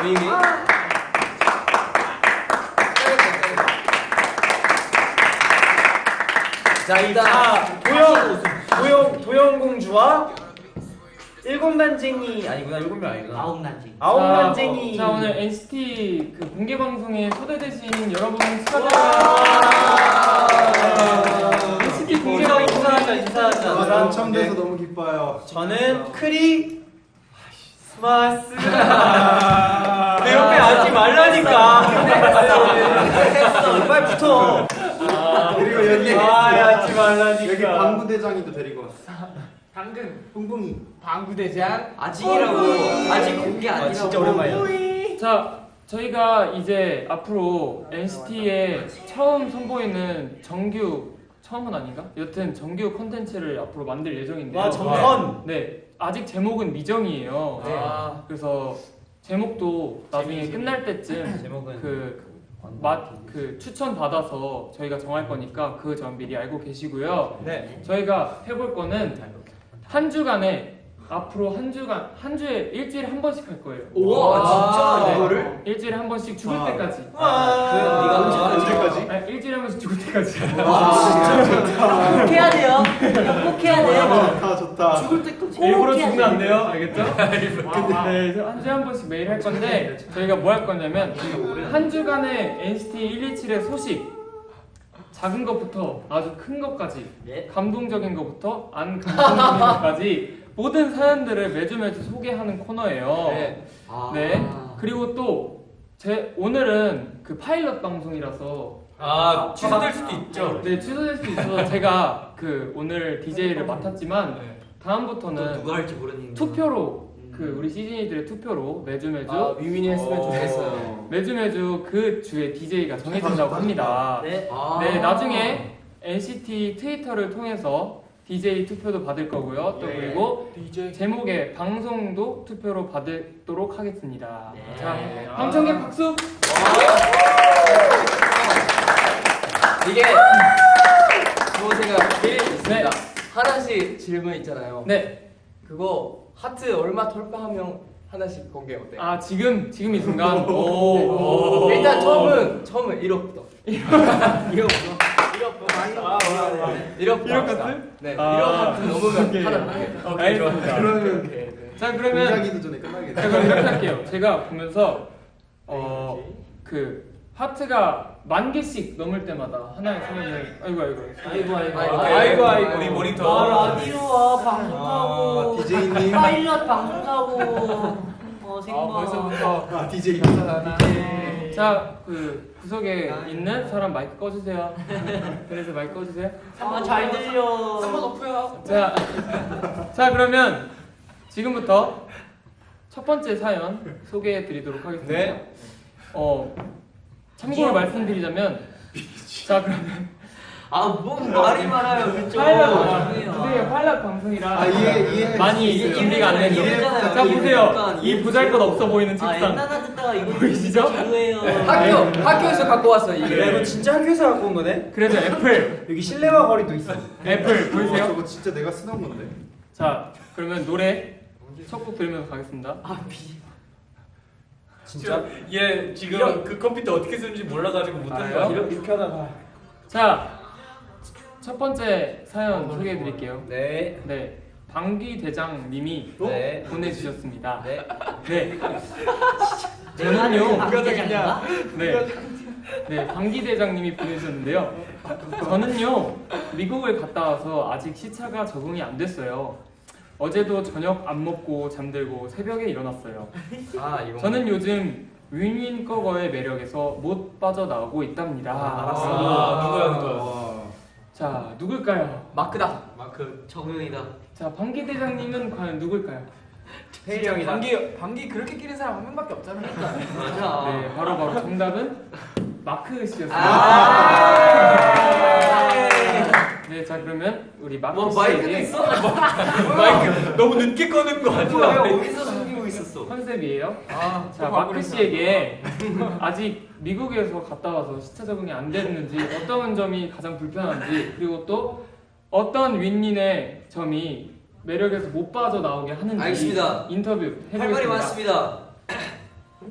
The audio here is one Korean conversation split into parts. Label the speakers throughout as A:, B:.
A: 분위기. 자 일단 도영공주와 일곱난쟁이 아니구나. 일곱명 아니구나. 아홉난쟁이.
B: 자 오늘 NCT 그 공개 방송에 초대되신 여러분 축하드립니다. NCT 공개 방송
A: 인사하자.
C: 당첨돼서 너무 기뻐요.
A: 저는 크리 스마스. 내 옆에 앉지 말라니까. 빨리 붙어.
C: 그리고 여기
A: 앉지 말라니까.
C: 여기 방구대장이도 데리고 왔어.
B: 당근
C: 뿡뿡이.
B: 방구대장
A: 아직이라고. 아직 공개 아니라고. 진짜 오랜만이야.
B: 자 저희가 이제 앞으로 NCT에 처음 선보이는 처음은 아닌가? 여튼 정규 콘텐츠를 앞으로 만들 예정인데요.
A: 와 정선.
B: 네 아직 제목은 미정이에요.
A: 네.
B: 그래서 제목도 나중에 끝날 때쯤
A: 제목은
B: 그 추천 받아서 저희가 정할 거니까 그 점 미리 알고 계시고요.
A: 네.
B: 저희가 해볼 거는 한 주간에 앞으로 한 주에 일주일에 한 번씩 할 거예요.
A: 우와 진짜 이거를?
B: 일주일에 한 번씩 죽을 때까지.
A: 그 네가
C: 언제까지?
B: 아니, 일주일에 한 번씩 죽을 때까지.
D: 꼭 해야 돼요. 꼭 해야 돼요.
C: 좋다.
D: 죽을 때까지.
B: 일부러 죽으면 안 돼요, 알겠죠? 네, 한 주에 한 번씩 매일 할 건데 저희가 뭐 할 거냐면 한 주간의 NCT 127의 소식. 작은 것부터 아주 큰 것까지, 감동적인 것부터 안 감동적인 것까지 모든 사연들을 매주 소개하는 코너예요. 네. 그리고 또 오늘은 그 파일럿 방송이라서
A: 취소될 수도 있죠.
B: 네, 취소될 수도 있어서 제가 그 오늘 DJ를 맡았지만 다음부터는
A: 누가 할지 모르는
B: 투표로 그 우리 시즌이들의 투표로 매주
A: 위민이 했으면 좋겠어요.
B: 매주 그 주에 DJ가 정해진다고 합니다.
D: 네.
B: 네, 나중에 NCT 트위터를 통해서 DJ 투표도 받을 거고요. 또 그리고 제목의 방송도 투표로 받도록 하겠습니다. 자, 방청객 박수!
E: 이게 제가 제일 있습니다. 하나씩 질문 있잖아요.
B: 네.
E: 그거 하트 얼마 돌파하면 하나씩 공개 어때요?
B: 아 지금 이 순간.
E: 네. 일단 처음은 1억부터. 1억
B: 하트?
E: 네. 1억 하트 넘으면 하나 공개.
B: 오케이, 좋습니다.
C: 그러면
B: 자 그러면
C: 공자기도 전에 끝나겠네.
B: 제가 이렇게 할게요. 제가 보면서 그 하트가 10,000개씩 넘을 때마다 하나의 소문을 아이고
A: 우리 모니터.
D: 라디오 와 방송하고
C: DJ님.
D: 파일럿 방송하고 생방.
B: 벌써부터
C: DJ.
B: 자 그 구석에 있는 사람 마이크 꺼주세요. 그래서 마이크 꺼주세요.
D: 잘 들려.
E: 한번 높여요.
B: 자 그러면 지금부터 첫 번째 사연 소개해드리도록 하겠습니다.
A: 네.
B: 참고로 말씀드리자면 자 그러면
D: 뭔 말이 많아요. 그쪽.
B: 활락 방송이라
C: 이해.
B: 많이 준비가 안 되죠.
D: 이해잖아요.
B: 자 보세요.
D: 약간
B: 이 보잘것 없어 보이는 책상.
D: 옛날 듣다가 이거
B: 보이시죠?
D: 지루해요.
E: 학교에서 갖고 왔어 이게.
A: 이거 진짜 학교에서 갖고 온 거네?
B: 그래서 애플
A: 여기 실내화 거리도 있어.
B: 애플 보이세요?
C: 저거 진짜 내가 쓰던 건데.
B: 자 그러면 노래 첫 곡 들으면서 가겠습니다.
A: 진짜? 얘 지금 그 컴퓨터 어떻게 쓰는지 몰라가지고 못하는 거야. 이렇게 하다가.
B: 자 첫 번째 사연 소개해드릴게요.
A: 네.
B: 네 방귀 대장님이
A: 네.
B: 보내주셨습니다.
A: 네.
B: 네.
D: 저는요.
B: 네, 방귀 대장님이 보내주셨는데요. 저는요 미국을 갔다 와서 아직 시차가 적응이 안 됐어요. 어제도 저녁 안 먹고 잠들고 새벽에 일어났어요.
A: 이거.
B: 저는 요즘 윈윈꺼거의 매력에서 못 빠져나오고 있답니다.
A: 누구야?
B: 자 누굴까요?
E: 마크다.
A: 마크.
D: 정우영이다.
B: 자 방귀 대장님은 과연 누굴까요?
A: 태일이 형이다.
E: 방귀 그렇게 끼는 사람 한 명밖에 없잖아.
D: 맞아.
B: 네 바로 정답은 마크 씨였습니다. 네, 자 그러면 우리 마크 씨에게
A: 마이크 너무 늦게 꺼낸 거 아니야?
D: 어디서 숨기고 있었어?
B: 컨셉이에요. 자 마크 씨에게 아직 미국에서 갔다 와서 시차 적응이 안 됐는지 어떤 점이 가장 불편한지 그리고 또 어떤 윈윈의 점이 매력에서 못 빠져나오게 하는지
D: 알겠습니다.
B: 인터뷰
D: 할 말이
B: 해보겠습니다.
D: 많습니다.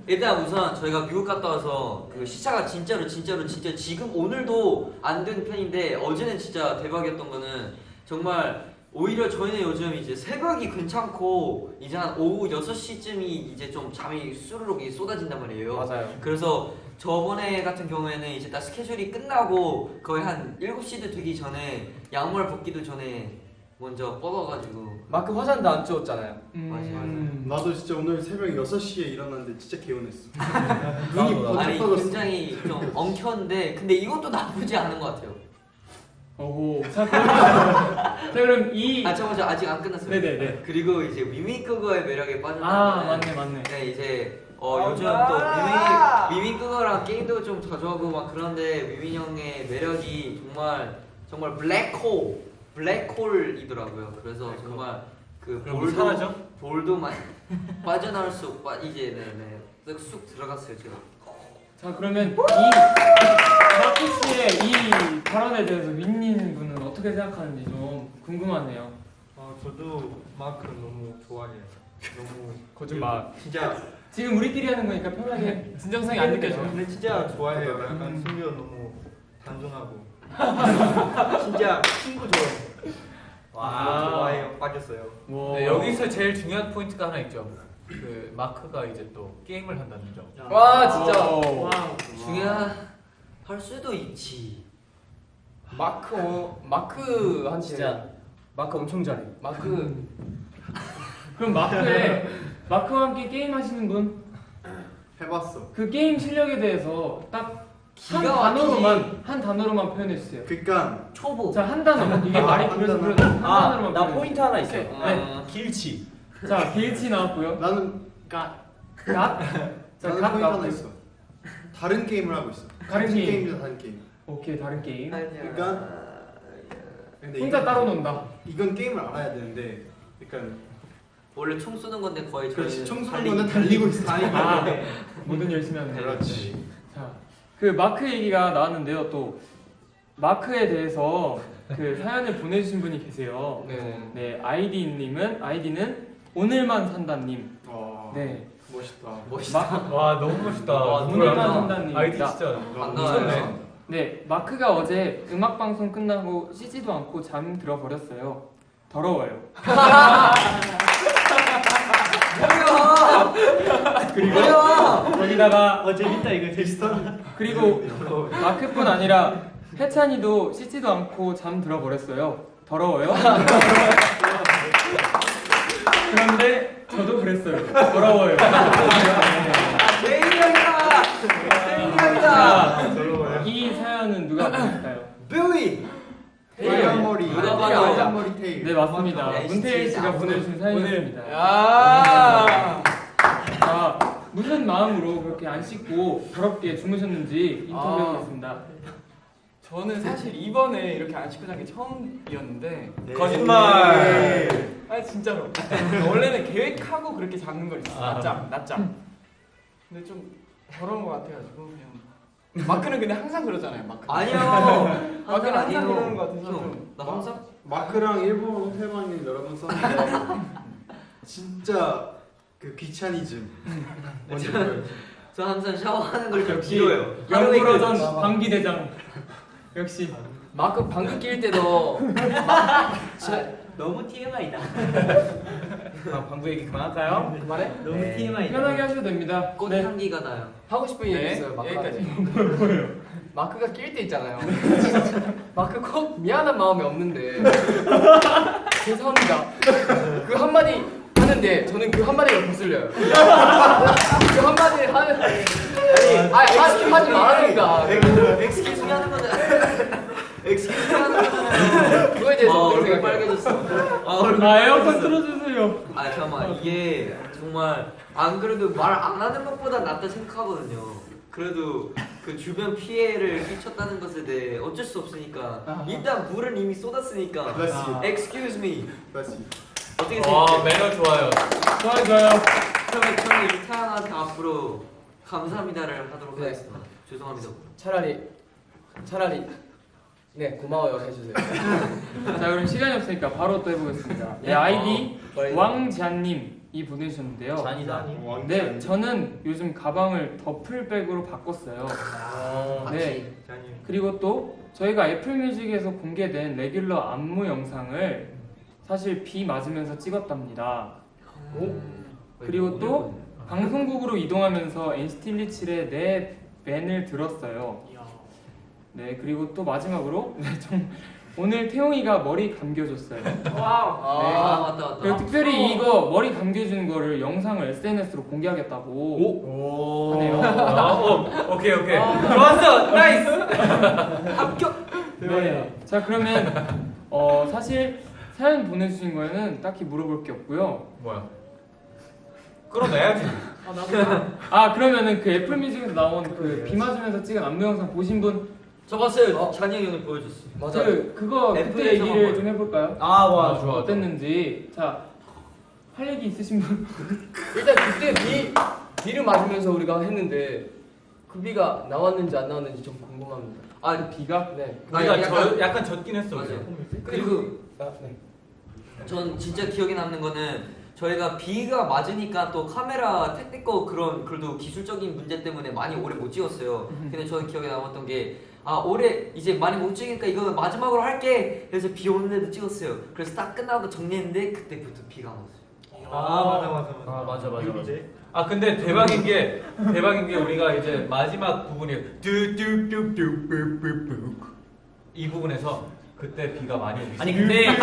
D: 일단 우선 저희가 미국 갔다 와서 그 시차가 진짜 지금 오늘도 안 된 편인데 어제는 진짜 대박이었던 거는 정말 오히려 저희는 요즘 이제 새벽이 괜찮고 이제 한 오후 6시쯤이 이제 좀 잠이 수르륵 쏟아진단 말이에요.
E: 맞아요.
D: 그래서 저번에 같은 경우에는 이제 딱 스케줄이 끝나고 거의 한 7시도 되기 전에 양말 벗기도 전에 먼저 뻗어가지고
E: 마크 화장도 안 지웠잖아요.
C: 나도 진짜 오늘 새벽 6시에 일어났는데 진짜 개운했어.
A: 나도,
C: 눈이
A: 나도.
D: 아니
C: 번쩍
D: 굉장히 좀 엉켰는데 근데 이것도 나쁘지 않은 것 같아요.
B: 오호. 자 그럼 이
D: 아 잠깐만 아직 안 끝났어요.
B: 네네네.
D: 그리고 이제 위민크거의 매력에 빠졌다면
B: 아 맞네.
D: 네 이제 요즘 또 위민크거랑 게임도 좀 자주 하고 막 그런데 위민 형의 매력이 정말 블랙홀이더라고요. 그래서 정말 그
A: 그럼 사라져?
D: 볼도 많이 빠져나올 수 이제 네네 쑥 들어갔어요 제가.
B: 자 그러면 이 마크 씨의 이 발언에 대해서 윈님 분은 어떻게 생각하는지 좀 궁금하네요.
A: 저도 마크 너무 좋아해요. 너무
B: 거짓말.
A: 진짜
B: 지금 우리끼리 하는 거니까 편하게 진정성이 안 느껴져요.
A: 근데 진짜 좋아해요. 약간 승규 너무 단순하고 진짜 친구 좋아해요.
B: 와.
A: 좋아해요. 빠졌어요.
B: 뭐
A: 네, 여기서 제일 중요한 포인트가 하나 있죠. 그 마크가 이제 또 게임을 한다는 점.
E: 와 진짜
B: 오.
D: 중요할 수도 있지.
E: 마크한테
D: 진짜.
E: 마크 엄청 잘해. 마크
B: 그럼 마크와 함께 게임 하시는 분?
C: 해봤어.
B: 그 게임 실력에 대해서 딱 한
D: 기가 막히지.
B: 단어로만 표현해 주세요.
C: 그러니까
D: 초보.
B: 자, 한 단어. 이게 말이
C: 한
B: 길어서
C: 단어.
B: 그런데 한 단어로만
E: 나
B: 표현해
E: 포인트 하나 있어.
B: 주세요.
D: 네.
A: 길치.
B: 자, 길치 나왔고요.
C: 나는
B: 갓. 자,
C: 나는
B: 갓
C: 포인트 하나
B: 나왔고요.
C: 있어. 다른 게임을 하고 있어.
B: 다른
C: 같은
B: 게임.
C: 게임이다 다른 게임.
B: 오케이, 다른 게임.
C: 그러니까 근데
B: 혼자 따로 논다.
C: 이건 게임을 알아야 되는데, 그러니까
D: 원래 총 쏘는 건데 거의
C: 그렇지
D: 저희는
C: 총 쏘는 거는 달리고 있어.
B: 아, 뭐든 열심히 하는 거.
C: 그렇지.
B: 자, 그 마크 얘기가 나왔는데요. 또 마크에 대해서 그 사연을 보내주신 분이 계세요.
E: 네.
B: 네, 아이디는 오늘만 산다님. 네,
C: 멋있다.
D: 멋있다.
A: 와 너무 멋있다.
D: 와,
B: 오늘만
D: 누구야?
B: 산다님.
A: 아이디 진짜
D: 반가워요.
B: 네, 마크가 어제 음악 방송 끝나고 씻지도 않고 잠 들어버렸어요. 더러워요.
D: 뭐야?
B: 거기다가
A: 재밌다 이거 재밌다.
B: 그리고 마크뿐 아니라 해찬이도 씻지도 않고 잠 들어버렸어요. 더러워요. 그런데 저도 그랬어요. 더러워요.
D: 제이형이다. 제이형이다.
B: 자, 이 사연은 누가 보냈을까요?
D: 뷰이.
C: 빨간 머리.
D: 누가 봐도
C: 빨간 머리 테일.
B: 네, 맞습니다.
D: 야,
B: 문태일 씨가
D: 진짜
B: 보내주신 사연이었습니다.
E: 야.
B: 자, 무슨 마음으로 그렇게 안 씻고 더럽게 주무셨는지 인터뷰해보겠습니다.
F: 저는 사실 이번에 이렇게 안 씻고 잔 게 처음이었는데
A: 거짓말.
F: 아 진짜로 원래는 계획하고 그렇게 자는 거 있어. 낮잠 근데 좀 더러운 거 같아가지고 그냥 마크는 근데 항상 그러잖아요.
D: 아니요.
F: 마크는 항상
D: 아니에요.
F: 그러는 거 같아서
D: 형,
F: 좀
D: 나 항상
C: 마크랑 일본 호텔방에 여러 번 썼는데 진짜 그 귀차니즘. 뭔지 알죠?
D: 저 항상 샤워하는 걸 좀
B: 역시
D: 길어요. 하루에
B: 영구로전
C: 그-
B: 방기대장. 역시
E: 마크 방귀 낄 때도
D: 너무 TMI다.
A: 방구 얘기 그만할까요?
E: 그만해?
D: 너무
A: 네.
D: TMI다.
B: 편하게 하셔도 됩니다.
D: 꽃
B: 네.
D: 향기가 나요.
E: 하고 싶은 얘기
F: 네,
E: 있어요. 마크
F: 여기까지.
E: 마크가 낄 때 있잖아요. 마크 꼭 미안한 마음이 없는데 죄송합니다. 그 한마디 하는데 저는 그 한마디가 거슬려요. 그 한마디 하는 하지 말라니까.
D: 엑스큐즈 하는 거는 엑스큐즈 하는 거는
E: 그거에 대해서 어떻게
D: 얼굴
E: 생각해요?
D: 빨개졌어. 얼굴
B: 아, 에어컨
D: 빨개졌어.
B: 틀어주세요.
D: 아 잠깐만 이게 정말 안 그래도 말 안 하는 것보다 낫다 생각하거든요. 그래도 그 주변 피해를 끼쳤다는 것에 대해 어쩔 수 없으니까 일단 물은 이미 쏟았으니까
C: 그렇지.
D: Excuse me
C: 그렇지.
D: 어떻게
A: 와
D: 생각해?
A: 매너 좋아요.
B: 좋아요.
D: 그러면 저는 이 사람한테 앞으로 감사합니다를 하도록
E: 네.
D: 하겠습니다. 죄송합니다.
E: 차라리 네 고마워요 해주세요.
B: 자, 그럼 시간이 없으니까 바로 또 해보겠습니다. 네,
E: 네.
B: 아이디 왕지안님 보내주셨는데요.
G: 잔이다.
B: 네, 저는 요즘 가방을 더플백으로 바꿨어요. 네,
A: 잔이.
B: 그리고 또 저희가 애플뮤직에서 공개된 레귤러 안무 영상을 사실 비 맞으면서 찍었답니다. 그리고 또 방송국으로 이동하면서 NCT 127의 내 밴을 들었어요. 네, 그리고 또 마지막으로 오늘 태용이가 머리 감겨줬어요.
F: 와우.
B: 네.
D: 맞다.
B: 그리고 특별히 이거 머리 감겨주는 거를 영상을 SNS로 공개하겠다고 하네요.
G: 오케이. 좋았어. 나이스. 합격.
B: 네. 자, 그러면 사실 사연 보내주신 거에는 딱히 물어볼 게 없고요.
G: 뭐야? 끌어내야지.
B: 아, 그러면은 그 애플뮤직에서 나온 그 비 맞으면서 찍은 안무 영상 보신 분
D: 저 봤어요. 잔이 형이 오늘 보여줬어.
F: 맞아.
B: 그거 그때
D: 애플에서만
B: 얘기를
D: 보여.
B: 좀 해볼까요?
G: 좋아.
B: 어땠는지. 자, 할 얘기 있으신 분?
E: 일단 그때 비를 맞으면서 우리가 했는데 그 비가 나왔는지 안 나왔는지 좀 궁금합니다.
D: 아
B: 비가?
E: 네.
G: 약간 젖긴 했어.
D: 맞아.
G: 우리.
D: 그리고
E: 네.
D: 전 진짜 기억에 남는 거는 저희가 비가 맞으니까 또 카메라 테크니컬 그래도 기술적인 문제 때문에 많이 오래 못 찍었어요. 근데 저는 기억에 남았던 게 올해 이제 많이 못 찍으니까 이거 마지막으로 할게. 그래서 비 오는데도 찍었어요. 그래서 딱 끝나고 정리했는데 그때부터 비가 왔어요.
G: 맞아. 근데 대박인 게 우리가 이제 마지막 부분이 뚜뚜뚜뚜뚜뚜뚜 이 부분에서 그때 비가 많이 오고
H: 아니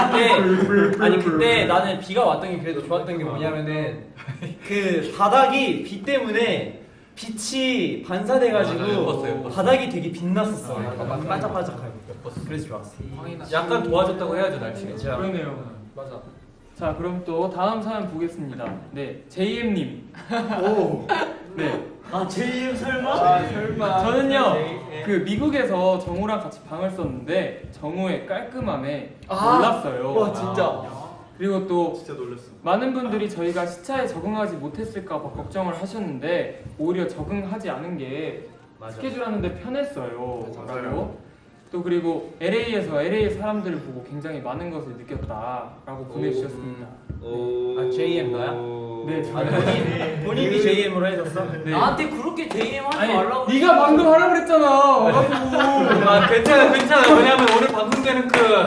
H: 그때 나는 비가 왔던 게 그래도 좋았던 게 뭐냐면은 그 바닥이 비 때문에 빛이 반사돼가지고
G: 맞아, 예뻤어요.
H: 바닥이 되게 빛났었어.
E: 맞아.
H: 반짝반짝하고. 그래서 좋았어.
G: 약간 도와줬다고 해야죠 날씨가.
B: 그러네요.
E: 맞아.
B: 자, 그럼 또 다음 사연 보겠습니다. 네, JM님.
C: 오.
B: 네.
H: 제이엠 설마?
B: 저는요, 그 미국에서 정우랑 같이 방을 썼는데 정우의 깔끔함에
E: 아,
B: 놀랐어요.
E: 와 진짜.
B: 그리고 또
C: 진짜 놀랐어.
B: 많은 분들이 저희가 시차에 적응하지 못했을까 봐 걱정을 하셨는데 오히려 적응하지 않은 게 스케줄 하는데 편했어요. 라고. 또 그리고 LA에서 LA 사람들을 보고 굉장히 많은 것을 느꼈다라고 보내주셨습니다.
H: JM 너야?
B: 네, 저요.
H: 본인이 JM으로 해줬어?
B: 네.
D: 나한테 그렇게 JM 하지
B: 아니,
D: 말라고.
B: 네가 방금 하라고 그랬잖아. 와가지고.
G: 괜찮아. 왜냐면 오늘 방송되는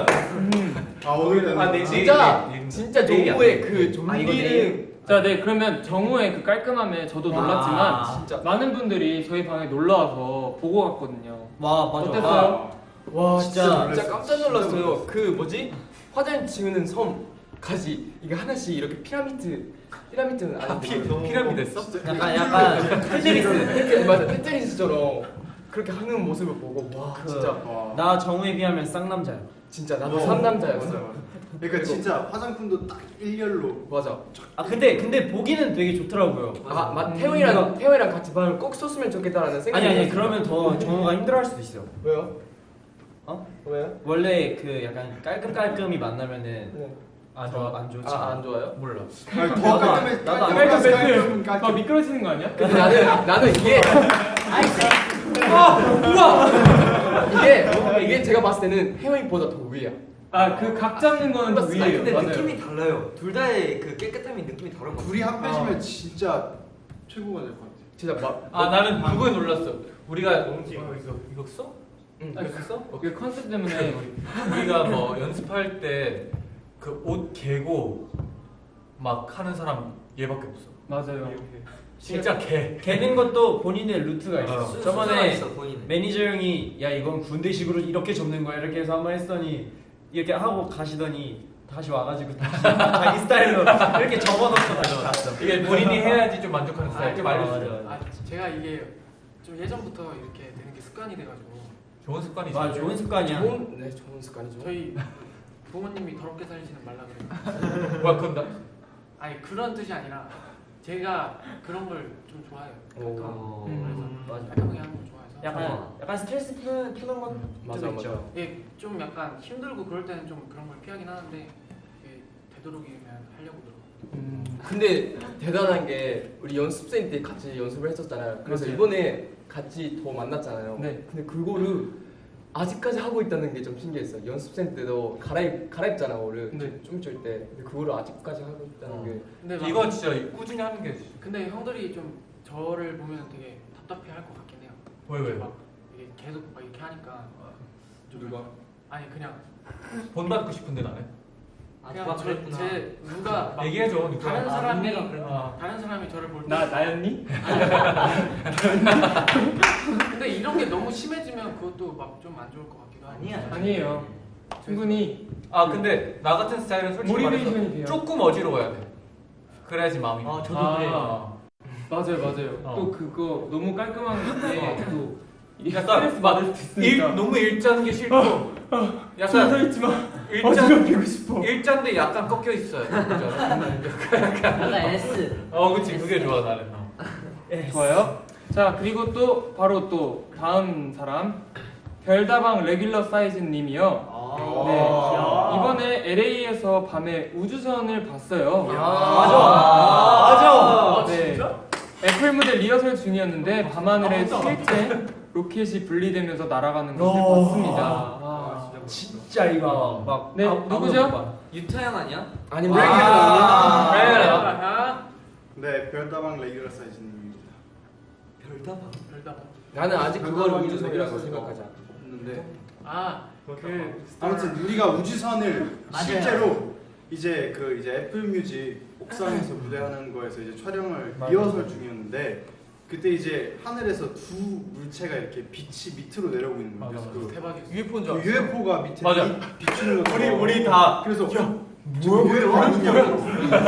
C: 오늘
E: 진짜 정우의 그 존리를
B: 자, 네, 그러면 정우의 그 깔끔함에 저도 놀랐지만
E: 진짜.
B: 많은 분들이 저희 방에 놀러 와서 보고 갔거든요.
H: 와
B: 어땠어요?
E: 와
H: 진짜
E: 진짜 깜짝 놀랐어요. 그 뭐지? 화장 지우는 섬까지 이게 하나씩 이렇게 피라미드는 아닌데
G: 피라미드 했어?
H: 약간 테트리스.
E: 맞아 테트리스처럼 그렇게 하는 모습을 보고 와 진짜
H: 나 정우에 비하면 쌍남자야.
E: 진짜 나도 상남자였어.
C: 그러니까 진짜 화장품도 딱 일렬로.
E: 맞아.
H: 근데 보기는 되게 좋더라고요.
E: 태용이랑 같이 방을 꼭 썼으면 좋겠다라는 생각이.
H: 아니 그러면 더 정우가 힘들어할 수도 있어.
E: 왜요?
H: 어?
E: 왜요?
H: 원래 그 약간 깔끔깔끔이 만나면은
E: 네.
H: 안 좋지.
E: 안 좋아요?
H: 몰라.
C: 아니, 더 깔끔해.
H: 나도
B: 깔끔 막 미끄러지는 거 아니야?
E: 근데 나는 이게 이게 제가 봤을 때는 태용이보다 더 위야.
B: 아, 그 각 잡는 거는 더
D: 아니,
B: 위에요.
D: 근데
B: 맞아요.
D: 느낌이 달라요. 둘 다의 그 깨끗함이 느낌이 다른 것 같아요.
C: 둘이 합해지면 진짜 최고가 될 것 같아.
E: 진짜 막
G: 나는 그거에 놀랐어. 우리가 이거 써?
E: 응.
G: 이거 써?
B: 그 컨셉 때문에
G: 우리가 뭐 연습할 때 그 옷 개고 막 하는 사람 얘밖에 없어.
B: 맞아요.
G: 진짜 개.
H: 개는 것도 본인의 루트가 있어.
D: 수가
H: 저번에
D: 있어, 본인은.
H: 매니저 형이 야 이건 군대식으로 이렇게 접는 거야 이렇게 해서 한번 했더니 이렇게 하고 가시더니 다시 와가지고 다시 자기 스타일로 이렇게 접어놓고 다시 갔어.
G: 이게 본인이 해야지 좀 만족하는 스타일. 좀 알려주세요.
I: 제가 이게 좀 예전부터 이렇게 되는 게 습관이 돼가지고
G: 좋은 습관이지.
H: 맞아 좋은 습관이야.
E: 좋은 습관이죠.
I: 저희 부모님이 더럽게 살지는 말라 그래요.
G: 뭐야 그건 나?
I: 아니 그런 뜻이 아니라 제가 그런 걸 좀 좋아해요.
H: 맞아.
I: 깔끔하게 하는 걸 좋아해서.
H: 약간 스트레스 푸는 건
E: 맞아.
I: 예, 좀 약간 힘들고 그럴 때는 좀 그런 걸 피하긴 하는데 이게 되도록이면 하려고 들어.
E: 근데 대단한 게 우리 연습생 때 같이 연습을 했었잖아요. 그래서
B: 맞아요.
E: 이번에 같이 더 만났잖아요.
B: 네.
E: 근데 그거를 아직까지 하고 있다는 게 좀 신기했어. 연습생 때도 갈아입잖아 옷을.
B: 네.
E: 춤출 때. 근데 그거를 아직까지 하고 있다는 게.
I: 근데 막-
G: 이거 진짜 꾸준히 하는 게
I: 근데 형들이 좀 저를 보면 되게 답답해할 것 같긴 해요.
G: 왜?
I: 막 이게 계속 막 이렇게 하니까
C: 누가?
I: 아니 그냥
G: 본받고 싶은데 나는.
D: 누가 그랬구나.
I: 제 누가 막
G: 얘기해줘. 누가.
I: 다른 사람이
D: 룸메가 그랬구나.
I: 다른 사람이 저를 볼 때
B: 나였니?
I: 근데 이런 게 너무 심해지면 그것도 막 좀 안 좋을 것 같기도 하고.
D: 아니야.
B: 아니에요. 충분히
G: 아 근데 나 같은 스타일은 솔직히
B: 모티베이션이
G: 말해서
B: 돼요.
G: 조금 어지러워야 돼. 그래야지 마음이.
D: 저도
B: 아.
D: 그래요.
B: 맞아요, 맞아요.
G: 어.
B: 또 그거 너무 깔끔한 게또
G: 약간
B: 스트레스 받을 수 있으니까.
G: 너무 일자는 게 싫고.
B: 서
G: 약간
B: 있지마.
G: 일자
B: 어지럽히고 싶어.
G: 일자인데 약간 꺾여 있어요.
D: 약간 S.
G: 그치 그게 좋아 나는.
B: 좋아요. 자, 그리고 또 바로 또 다음 사람 별다방 레귤러 사이즈 님이요. 네. 이번에 LA에서 밤에 우주선을 봤어요.
C: 맞아.
B: 네. 애플 무대 리허설 중이었는데 밤하늘에 실제 로켓이 분리되면서 날아가는 것을 봤습니다.
H: 진짜 이거 막
B: 네, 누구죠?
D: 유타 형 아니야?
H: 아니
C: 네, 별다방 레귤러 사이즈님입니다.
D: 별다방.
I: 별다방.
E: 나는 아직 그걸
C: 별다방이
E: 우주선이라고
C: 레귤러
E: 생각하지 않아.
C: 없는데
I: 그
C: 아무튼 우리가 우주선을
D: 맞아요.
C: 실제로 이제 애플 뮤직 옥상에서 무대하는 거에서 이제 촬영을
H: 맞아요.
C: 리허설 중이었는데 그때 이제 하늘에서 두 물체가 이렇게 빛이 밑으로 내려오고 있는 거예요. 그래서 그
I: 대박이었어.
F: UFO인 줄 알았어.
C: UFO가 밑에
G: 맞아.
C: 비추는 거.
G: 우리 다
C: 그래서 UFO 아니냐고.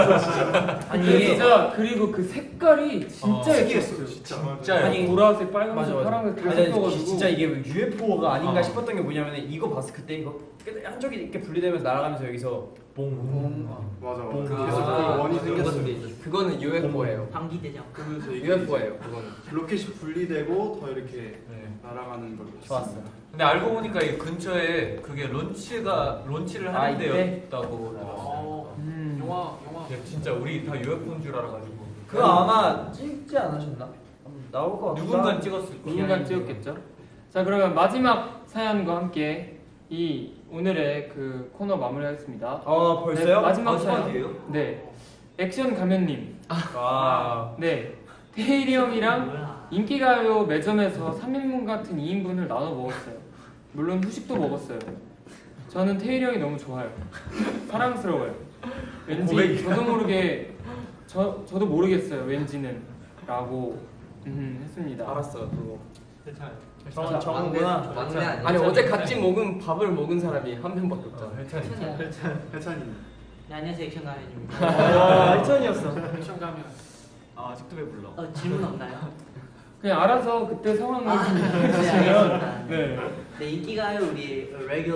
B: 진짜 그리고 그 색깔이 진짜 예뻤어요.
C: 진짜.
G: 진짜요.
E: 아니,
B: 보라색, 빨간색,
H: 맞아.
B: 파란색 다
H: 아니,
B: 섞어가지고
H: 진짜 이게 UFO가 아닌가
G: 어.
H: 싶었던 게 뭐냐면 이거 봤을 그때 이거 한쪽이 이렇게 분리되면서 날아가면서 여기서 봉
C: 맞아.
H: 봉.
C: 그래서 그 원이 생겼어요.
E: 그거는 UFO예요.
D: 방귀대장.
C: 그러면서 이게
E: UFO예요. 그거는.
C: 로켓이 분리되고 더 이렇게
G: 네.
C: 날아가는 걸로.
H: 좋았어.
G: 근데 알고 보니까 이 근처에 그게 론치를 하는
H: 이때?
G: 데였다고 들었어요.
I: 영화
G: 야, 진짜 우리 다 UFO인 줄 알아가지고.
H: 그거 아마 찍지 않으셨나? 나올 것 같다.
G: 누군가 찍었을 거야.
B: 누군가 찍었겠죠. 자, 그러면 마지막 사연과 함께 이 오늘의 그 코너 마무리하겠습니다.
H: 벌써요?
B: 네, 마지막 사연.
D: 마지막이에요?
B: 네, 액션 가면님.
H: 아.
B: 네, 태일이 형이랑
D: 뭐야?
B: 인기가요 매점에서 3인분 같은 2인분을 나눠 먹었어요. 물론 후식도 먹었어요. 저는 태일이 형이 너무 좋아요. 사랑스러워요. 왠지 저도 모르게 저도 모르겠어요. 왠지는 라고 했습니다.
E: 알았어 그거.
H: 정은구나.
D: 막내 아니야?
E: 아니 어제 같이 먹은 밥을 먹은 사람이 한 명밖에 없잖아.
G: 혜찬이.
C: 해찬이.
D: 네, 안녕하세요 액션 가면입니다.
H: 와, 희천이었어.
I: 액션 가면
F: 아직도 왜 불러?
D: 질문 없나요?
B: 그냥 알아서 그때 상황을 좀
D: 네,
B: 해주시면
D: 알겠습니다.
B: 네.
D: 네 인기가요 우리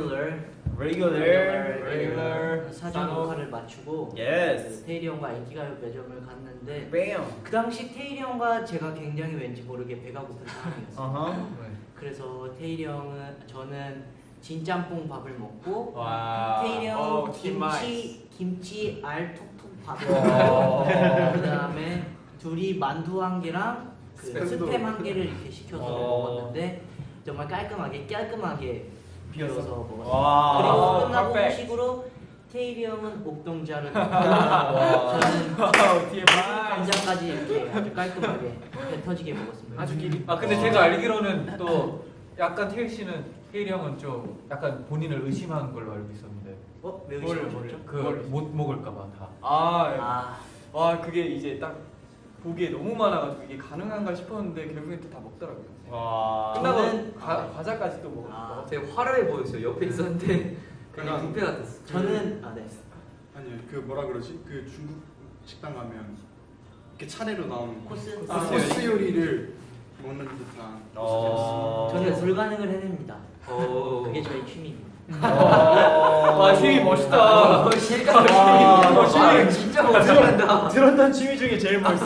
H: 레귤러.
D: 사전 녹화를 마치고
H: 예스.
D: 테일이 형과 인기가요 매점을 갔는데
H: 뺨.
D: 그 당시 테일이 형과 제가 굉장히 왠지 모르게 배가 고픈 상황이었어요.
H: 어허.
D: 그래서 테일이 형은 저는 진짬뽕 밥을 먹고
G: 와.
D: 테일이 형
F: TMI.
D: 김치 알톡톡 밥을
H: 와.
D: 먹고 그다음에 둘이 만두 한 개랑 그 스팸 한 개를 이렇게 시켜서 먹었는데 정말 깔끔하게 비워서 먹었어요.
H: 와.
D: 그리고 끝나고
F: 퍼펙트.
D: 후식으로 테일이 형은 옥동자를 먹고 저는 간장까지 이렇게 아주 깔끔하게 배 터지게 먹었습니다.
I: 아주 길이.
G: 아 근데 제가 알기로는 또 약간 태일이 형은 좀 약간 본인을 의심한 걸로 알고 있었는데
D: 왜 의심하셨죠?
G: 그 못 먹을까봐 다.
F: 와 그게 이제 딱 보기에 너무 많아가지고 이게 가능한가 싶었는데 결국엔 또 다 먹더라고요.
H: 와.
F: 끝나고
D: 저는-
F: 과자까지 또 먹었어.
D: 네. 아, 되게 화려해 보였어요. 옆에 있었는데
C: 그냥
D: 뷔페 같았어. 저는 네.
C: 아니 그 뭐라 그러지? 그 중국 식당 가면 이렇게 차례로 나오는
D: 코스.
C: 코스 요리를 먹는 듯한.
D: 저는 불가능을 해냅니다. 그게 저의 취미입니다.
G: 와 취미 멋있다.
D: 실감 진짜 멋있다.
H: 들었던 취미 중에 제일 멋있어.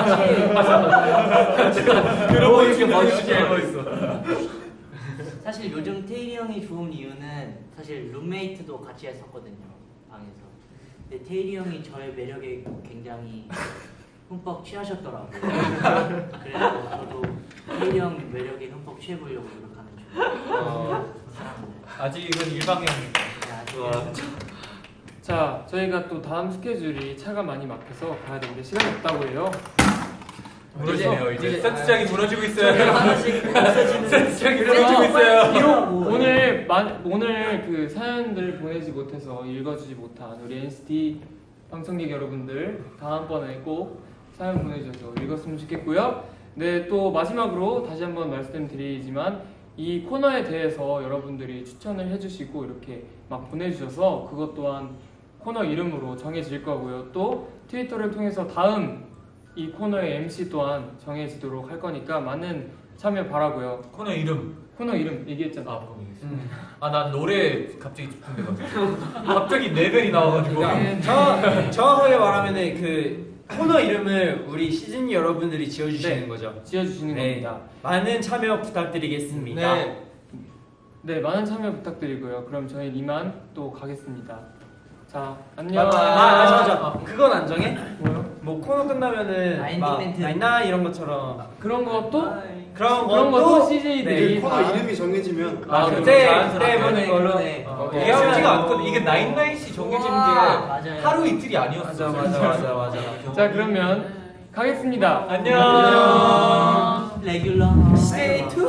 G: 들어보니 게 멋있어.
D: 사실 요즘 테일이 형이 좋은 이유는 사실 룸메이트도 같이 했었거든요 방에서. 근데 테일이 형이 저의 매력에 굉장히 흠뻑 취하셨더라고요. 그래서 저도 테일이 형 매력에 흠뻑 취해보려고 노력하는 중이에요.
G: 아직은 일방향입니다.
D: 좋아.
B: 자, 저희가 또 다음 스케줄이 차가 많이 막혀서 가야 되는데 시간이 없다고 해요.
G: 무너지네요. 이제
D: 이제-
G: 세트장이 무너지고 있어요.
D: 하나씩 없어지는.
G: 세트장이 무너지고 있어요.
B: 오늘 그 사연들 보내지 못해서 읽어주지 못한 우리 NCT 방청객 여러분들 다음번에 꼭 사연 보내주셔서 읽었으면 좋겠고요. 네, 또 마지막으로 다시 한번 말씀드리지만 이 코너에 대해서 여러분들이 추천을 해주시고 이렇게 막 보내주셔서 그것 또한 코너 이름으로 정해질 거고요. 또 트위터를 통해서 다음 이 코너의 MC 또한 정해지도록 할 거니까 많은 참여 바라고요.
G: 코너 이름.
B: 코너 이름 얘기했잖아.
G: 아, 그럼 얘기했어. 아, 난 노래 갑자기 궁금해가지고. 갑자기 레벨이 나와가지고.
H: 정확하게 말하면은 그 코너 이름을 우리 시즌 여러분들이 지어주시는
B: 네.
H: 거죠.
B: 지어주시는
H: 네.
B: 겁니다.
H: 많은 참여 부탁드리겠습니다.
B: 네, 많은 참여 부탁드리고요. 그럼 저희는 이만 또 가겠습니다. 자, 안녕.
H: 맞아. 그건 안 정해?
B: 뭐요?
H: 뭐 코너 끝나면은 막
D: 멘트.
H: 나이나 이런 것처럼
B: 그런 것도
H: 그런
B: 것도
H: 것도
B: CJ들이
C: 네, 코너 이름이 정해지면
H: 그때 보는 걸로.
D: 그러네.
G: 이게 쉽지가 않거든. 이게 나인나잇이 정해지는 게
D: 맞아요.
G: 하루 이틀이 아니었어.
H: 맞아.
B: 자, 그러면 가겠습니다.
G: 안녕.
D: 레귤러. Stay tuned.